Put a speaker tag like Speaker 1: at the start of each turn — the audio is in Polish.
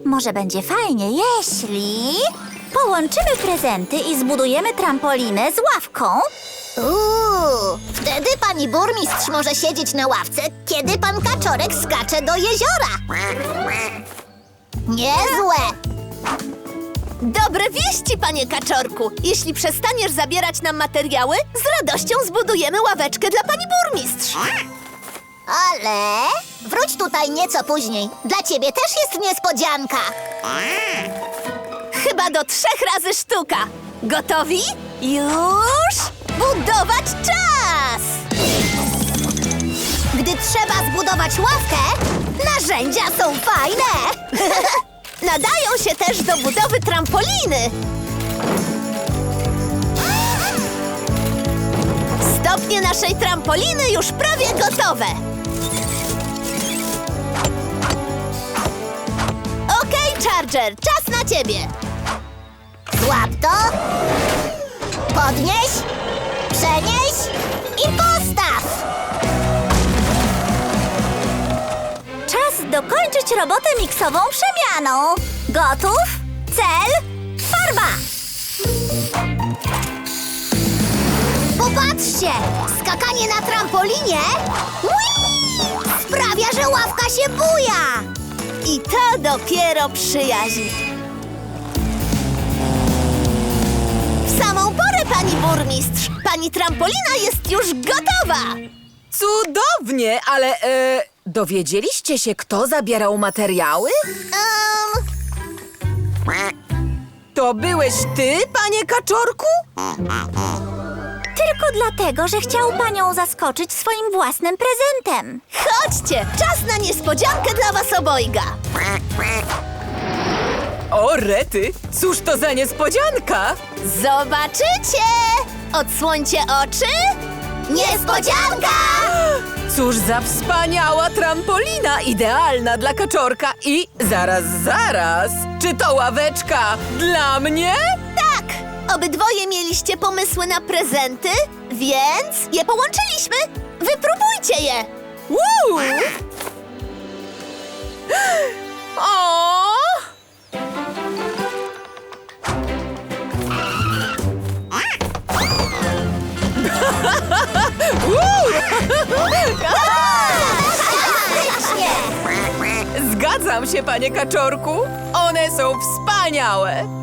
Speaker 1: Może będzie fajnie, jeśli połączymy prezenty i zbudujemy trampolinę z ławką.
Speaker 2: Wtedy pani burmistrz może siedzieć na ławce, kiedy pan Kaczorek skacze do jeziora. Niezłe!
Speaker 3: Dobre wieści, panie Kaczorku! Jeśli przestaniesz zabierać nam materiały, z radością zbudujemy ławeczkę dla pani burmistrz.
Speaker 2: Ale wróć tutaj nieco później. Dla ciebie też jest niespodzianka.
Speaker 3: Chyba do 3 razy sztuka. Gotowi? Już! Budować czas!
Speaker 2: Gdy trzeba zbudować ławkę, narzędzia są fajne.
Speaker 3: Nadają się też do budowy trampoliny. Stopnie naszej trampoliny już prawie gotowe. Okej, Charger, czas na ciebie.
Speaker 2: Złap to, podnieś, przenieś i postaw.
Speaker 1: Czas dokończyć robotę miksową przemianą. Gotów? Cel? Farba!
Speaker 2: Popatrzcie, skakanie na trampolinie sprawia, że ławka się buja.
Speaker 3: I to dopiero przyjaźń. W samą porę, pani burmistrz. Pani trampolina jest już gotowa.
Speaker 4: Cudownie, ale dowiedzieliście się, kto zabierał materiały? To byłeś ty, panie Kaczorku?
Speaker 1: Tylko dlatego, że chciał panią zaskoczyć swoim własnym prezentem.
Speaker 3: Chodźcie, czas na niespodziankę dla was obojga.
Speaker 4: O, rety, cóż to za niespodzianka?
Speaker 3: Zobaczycie! Odsłońcie oczy.
Speaker 2: Niespodzianka!
Speaker 4: Cóż za wspaniała trampolina, idealna dla Kaczorka i zaraz, czy to ławeczka dla mnie?
Speaker 3: Tak! Obydwoje mieliście pomysły na prezenty, więc je połączyliśmy. Wypróbujcie je.
Speaker 4: Woo! O! Zgadzam się, panie Kaczorku. One są wspaniałe.